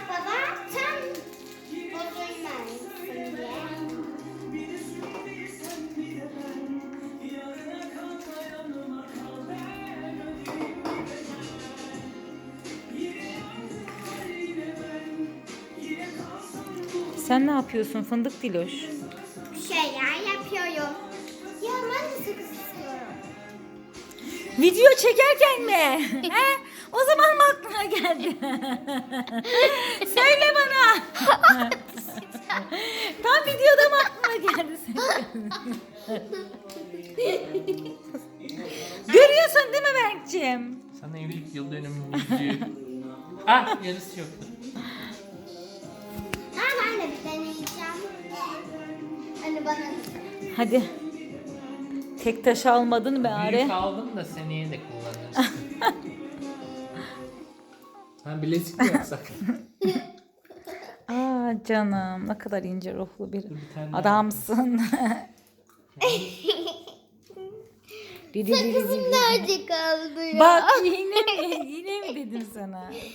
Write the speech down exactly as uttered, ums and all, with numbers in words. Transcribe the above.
baba sen bozulmasın diye. Sen ne yapıyorsun fındık Diloş? Bir şeyler yapıyorum. Ya ben de sakız istiyorum. Video çekerken mi? He? O zaman mı aklına geldi? Söyle bana. Tam videoda mı aklına geldi senin? Görüyorsun değil mi Berk'ciğim? Sana evlilik yıl dönümünün yüzüğü. Ah, yarısı yoktu. Ha, ben de bir deneyeceğim. Hani bana da. Hadi. Tek taş almadın be Are. Büyük aldım da seneye de kullanırsın. Ha, bilezik mi yapsak? Aa canım ne kadar ince ruhlu bir bir tane daha adamsın. Didi didi Sakızım didi. nerede kaldı ya? Bak yine mi? Yine mi dedim sana?